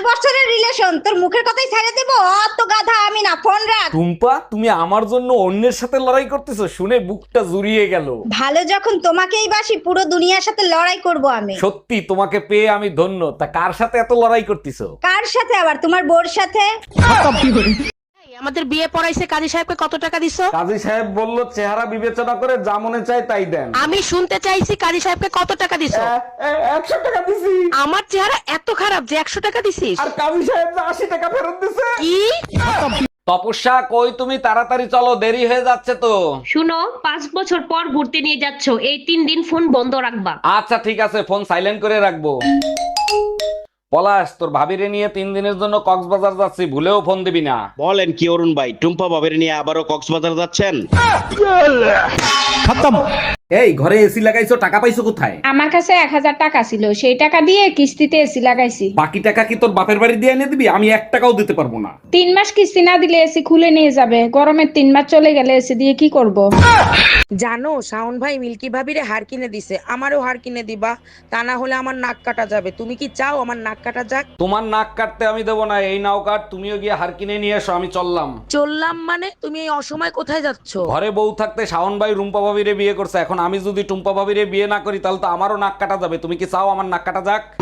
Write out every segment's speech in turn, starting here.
বছরের রিলেশন, তোর মুখের কথাই ছেড়ে দেবো? অত গাধা আমি না, ফোন রাখ। টুম্পা, তুমি আমার জন্য অন্যের সাথে লড়াই করতেছো শুনে বুকটা জুড়িয়ে গেল। ভালো যখন তোমাকেই বাসি, পুরো দুনিয়ার সাথে লড়াই করব আমি। সত্যি তোমাকে পেয়ে আমি ধন্য। তা কার সাথে এত লড়াই করতেছো? কার সাথে আবার? তোমার বোর সাথে। আমাদের বিয়ে পড়াইছে কাজী সাহেবকে কত টাকা দিছো? কাজী সাহেব বলল চেহারা বিবেচনা করে যা মনে চায় তাই দেন। আমি শুনতে চাইছি কাজী সাহেবকে কত টাকা দিছো? 100 টাকা দিছি। আমার চেহারা এত খারাপ যে 100 টাকা দিছিস? আর কাজী সাহেব 80 টাকা ফেরত দিছে। কি? তপস্যা, কই তুমি? তাড়াতাড়ি চলো, দেরি হয়ে যাচ্ছে তো। শুনো, 5 বছর পর ঘুরতে নিয়ে যাচ্ছ, এই 3 দিন ফোন বন্ধ রাখবা। আচ্ছা ঠিক আছে, ফোন সাইলেন্ট করে রাখবো। পলাশ, তোর ভাবিরে নিয়ে 3 দিনের জন্য কক্সবাজার যাচ্ছি, ভুলেও ফোন দিবি না। বলেন কি অরুণ ভাই, টুম্পা বাবের নিয়ে আবারও কক্সবাজার যাচ্ছেন? এই ঘরে এসি লাগাইছো, টাকা পাইছো কোথায়? আমার কাছে 1000 টাকা ছিল, সেই টাকা দিয়ে কিস্তিতে এসি লাগাইছি। বাকি টাকা কি তোর বাপের বাড়ি দিয়ে এনে দিবি? আমি 1 টাকাও দিতে পারবো না। 3 মাস কিস্তি না দিলে এসি খুলে নিয়ে যাবে। গরমের 3 মাস চলে গেলে এসি দিয়ে কি করব? জানো শাওন ভাই মিল্কি ভাবিরে হার কিনে দিছে, আমারও হার কিনে দিবা, তা না হলে আমার নাক কাটা যাবে। তুমি কি চাও আমার নাক কাটা যাক? তোমার নাক কাটতে আমি দেবো না। এই নাও কাট, তুমিও গিয়ে হার কিনে নিয়ে এসো, আমি চললাম। চললাম মানে? তুমি এই অসময় কোথায় যাচ্ছ? ঘরে বউ থাকতে শাওন ভাই রুম্পা ভাবিরে বিয়ে করছে, এখন আমি যদি টুম্পা ভাবিরে বিয়ে না করি তাহলে তো আমারও নাক কাটা যাবে। তুমি কি চাও আমার নাক কাটা যাক?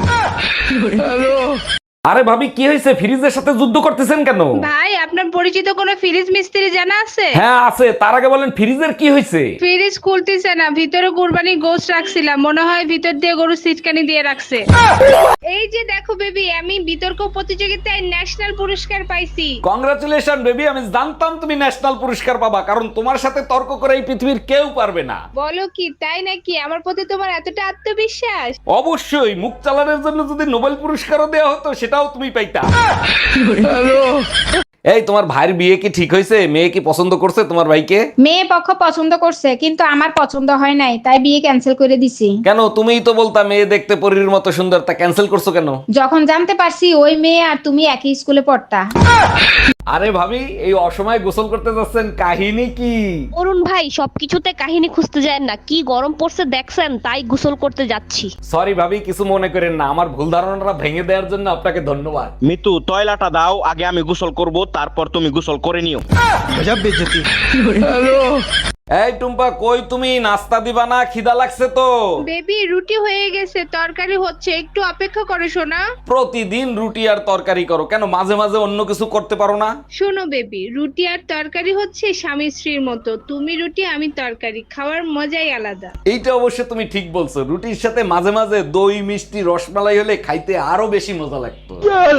আরে ভাবি, কি হয়েছে? ফ্রিজের সাথে যুদ্ধ করতেছেন কেন? ভাই, আপনার পরিচিত কোনো ফ্রিজ মিস্ত্রি জানা আছে? হ্যাঁ আছে। তার আগে বলেন ফ্রিজের কি হয়েছে? ফ্রিজ খুলতেছে না, ভিতরে কুরবানি গোশত রাখছিলাম, মনে হয় ভিতর দিয়ে গরু সিটকানি দিয়ে রাখছে। এই যে দেখো বেবি, আমি বিতর্ক প্রতিযোগিতায় ন্যাশনাল পুরস্কার পাইছি। কংগ্রাচুলেশন বেবি, আমি জানতাম তুমি ন্যাশনাল পুরস্কার পাবা, কারণ তোমার সাথে তর্ক করে এই পৃথিবীর কেউ পারবে না। বলো কি, তাই নাকি? আমার প্রতি তোমার এতটা আত্মবিশ্বাস? অবশ্যই, মুখ চালানোর জন্য যদি নোবেল পুরস্কারও দেওয়া হতো সেটাও তুমি পাইতা। এই তোমার ভাইয়ের বিয়ে কি ঠিক হয়েছে? মেয়ে কি পছন্দ করছে তোমার ভাইকে? মেয়ে পক্ষ পছন্দ করছে, কিন্তু আমার পছন্দ হয় নাই, তাই বিয়ে ক্যান্সেল করে দিছি। কেন? তুমিই তো বলতা মেয়ে দেখতে পরীর মতো সুন্দর, তা ক্যান্সেল করছো কেন? যখন জানতে পারছি ওই মেয়ে আর তুমি একই স্কুলে পড়তা। আরে ভাবি, এই অসময়ে গোসল করতে যাচ্ছেন, কাহিনী কি? অরুণ ভাই, সবকিছুতে কাহিনী খুঁজতে যায় না, কি গরম পড়ছে দেখছেন, তাই গোসল করতে যাচ্ছি। সরি ভাবি, কিছু মনে করেন না। আমার ভুল ধারণাটা ভেঙে দেওয়ার জন্য আপনাকে ধন্যবাদ। মিতু, তয়লাটা দাও, আগে আমি গোসল করব, তারপর তুমি গোসল করে নিও। এই টুম্পা, কই তুমি? নাস্তা দিবা না? খিদা লাগছে তো। বেবি, রুটি হয়ে গেছে, তরকারি হচ্ছে, একটু অপেক্ষা করে শোনা। প্রতিদিন রুটি আর তরকারি করো কেন? মাঝে মাঝে অন্য কিছু করতে পারো না? শোনো বেবি, রুটি আর তরকারি হচ্ছে স্বামী স্ত্রীর মতো, তুমি রুটি আমি তরকারি, খাওয়ার মজাই আলাদা। এইটা অবশ্য তুমি ঠিক বলছো। রুটির সাথে মাঝে মাঝে দই, মিষ্টি, রসমালাই হলে খাইতে আরো বেশি মজা লাগতো।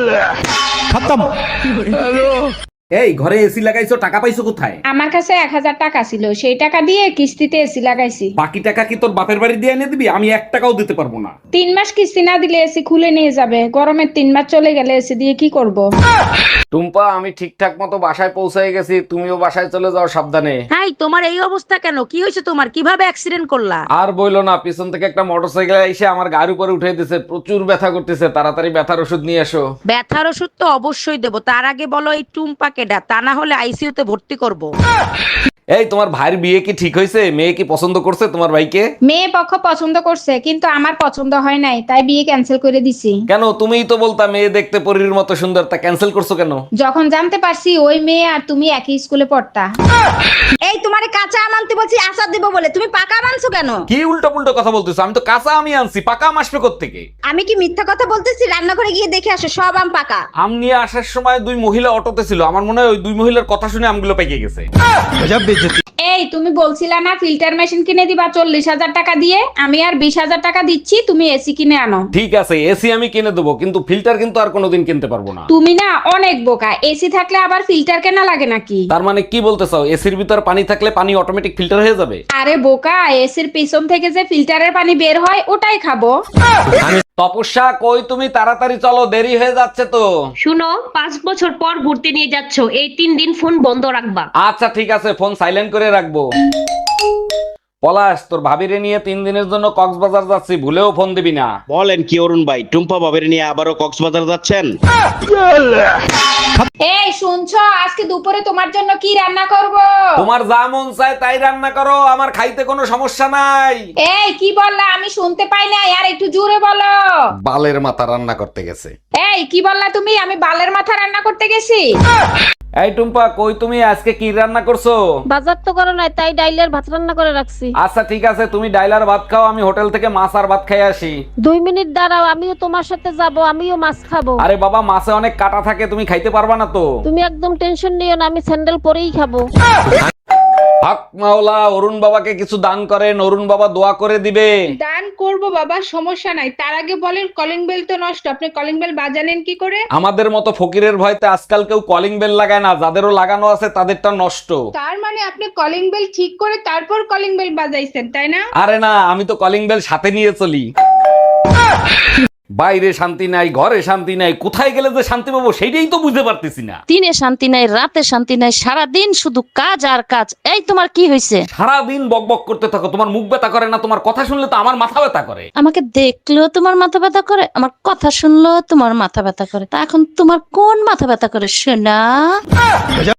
এই ঘরে এসি লাগাইছো, টাকা পাইছো কোথায়? আমার কাছে 1000 টাকা ছিল, সেই টাকা দিয়ে কিস্তিতে এসি লাগাইছি। বাকি টাকা কি তোর বাপের বাড়ি দিয়ে এনে দিবি? আমি 1 টাকাও দিতে পারবো না। 3 মাস কিস্তি না দিলে এসি খুলে নিয়ে যাবে। গরমের 3 মাস চলে গেলে এসি দিয়ে কি করব? টুম্পা, আমি ঠিকঠাক মতো বাসায় পৌঁছে গেছি, তুমিও বাসায় চলে যাও সাবধানে। হাই, তোমার এই অবস্থা কেন? কি হয়েছে তোমার? কিভাবে অ্যাক্সিডেন্ট করলা? আর বইলো না, পিছন থেকে একটা মোটরসাইকেল এসে আমার গাড়ির উপরে উঠে দিছে, প্রচুর ব্যথা করতেছে। তাড়াতাড়ি ব্যথার ওষুধ নিয়ে এসো। ব্যথার ওষুধ তো অবশ্যই দেবো, তার আগে বলো এই টুম্পা কেডা, তা না হলে আইসিইউতে ভর্তি করব। এই তোমার ভাইয়ের বিয়ে কি ঠিক হয়েছে? মেয়ে কি পছন্দ করছে তোমার ভাইকে? মেয়ে পক্ষ পছন্দ করছে, কিন্তু আমার পছন্দ হয় নাই, তাই বিয়ে ক্যান্সেল করে দিছি। কেন? তুমিই তো বলতা মেয়ে দেখতে পরীর মতো সুন্দর, তা ক্যান্সেল করছো কেন? যখন জানতে পারছি ওই মেয়ে আর তুমি একই স্কুলে পড়তা। এই তোমারে কাঁচা আম আনতে বলছি আচার দেবো বলে, তুমি পাকা আম আনছো কেন? কি উল্টো পুল্টো কথা বলতেছো? আমি তো কাঁচা আমি আনছি, পাকা আম আসবে কোত্থেকে? আমি কি মিথ্যা কথা বলতেছি? রান্নাঘরে গিয়ে দেখে আসো, সব আম পাকা। আম নিয়ে আসার সময় 2 মহিলা অটোতে ছিল, আমার মনে হয় ওই 2 মহিলার কথা শুনে আমগুলো পেকে গেছে। এই, তুমি বলছিলা না ফিল্টার মেশিন কিনে দিবা 40,000 টাকা দিয়ে? আমি আর 20,000 টাকা দিচ্ছি, তুমি এসি কিনে আনো। ঠিক আছে, এসি আমি কিনে দেবো, কিন্তু ফিল্টার কিন্তু আর কোনোদিন কিনতে পারবো না। তুমি না অনেক বোকা, এসি থাকলে আবার ফিল্টার কেনা লাগে নাকি? তার মানে কি বলতে চাও? এসির ভিতর পানি থাকলে পানি অটোমেটিক ফিল্টার হয়ে যাবে? আরে বোকা, এসির পিছন থেকে যে ফিল্টারের পানি বের হয় ওটাই খাবো। তপস্যা, কই তুমি? তাড়াতাড়ি চলো, দেরি হয়ে যাচ্ছে তো। শুনো, 5 বছর পর ঘুরতে নিয়ে যাচ্ছ, এই 3 দিন ফোন বন্ধ রাখবা। আচ্ছা ঠিক আছে, ফোন সাইলেন্ট করে রাখবো। পলাশ, তোর ভাবিরে নিয়ে 3 দিনের জন্য কক্সবাজার যাচ্ছি, ভুলেও ফোন দিবি না। বলেন কি অরুণ ভাই, টুম্পা বাবের নিয়ে আবারও কক্সবাজার যাচ্ছেন? এই শুনছো, আজকে দুপুরে তোমার জন্য কি রান্না করব? তোমার যা মন চায় তাই রান্না করো, আমার খাইতে কোনো সমস্যা নাই। এই কি বললা? আমি শুনতে পাই না, আর একটু জোরে বলো। বালের মাথা রান্না করতে গেছে। এই কি বললা তুমি? আমি বালের মাথা রান্না করতে গেছি? এই টুম্পা, কই তুমি? আজকে কি রান্না করছো? বাজার তো করো নাই, তাই ডাইলের ভাত রান্না করে রাখছি। আচ্ছা ঠিক আছে, তুমি ডাইলার ভাত খাও, আমি হোটেল থেকে মাছ আর ভাত খাই আসি। 2 মিনিট দাঁড়াও, আমিও তোমার সাথে যাব, আমিও মাছ খাবো। আরে বাবা, মাছে অনেক কাটা থাকে, তুমি খাইতে পারবা না তো। তুমি একদম টেনশন নিও না, আমি স্যান্ডেল পরেই খাবো। হক মাওলা, অরুণ বাবাকে কিছু দান করেন, অরুণ বাবা দোয়া করে দিবে। দান করব বাবা, সমস্যা নাই। তার আগে বলেন, কলিং বেল তো নষ্ট, আপনি কলিং বেল বাজালেন কি করে? আমাদের মতো ফকিরের ভয়তে আজকাল কেউ কলিং বেল লাগায় না, যাদেরও লাগানো আছে তাদেরটা নষ্ট। তার মানে আপনি কলিং বেল ঠিক করে তারপর কলিং বেল বাজাইছেন, তাই না? আরে না, আমি তো কলিং বেল সাথে নিয়ে চলি। বাইরে শান্তি নাই, ঘরে শান্তি নাই, কোথায় গেলে যে শান্তি পাবো সেইটাই তো বুঝতে পারতেছি না। দিনে শান্তি নাই, রাতে শান্তি নাই, সারাদিন শুধু কাজ আর কাজ। এই তোমার কি হয়েছে? সারাদিন বকবক করতে থাকো, তোমার মুখ ব্যথা করে না? তোমার কথা শুনলে তো আমার মাথা ব্যথা করে। আমাকে দেখলেও তোমার মাথা ব্যথা করে, আমার কথা শুনলেও তোমার মাথা ব্যথা করে। তা এখন তোমার কোন মাথা ব্যথা করে শোনা?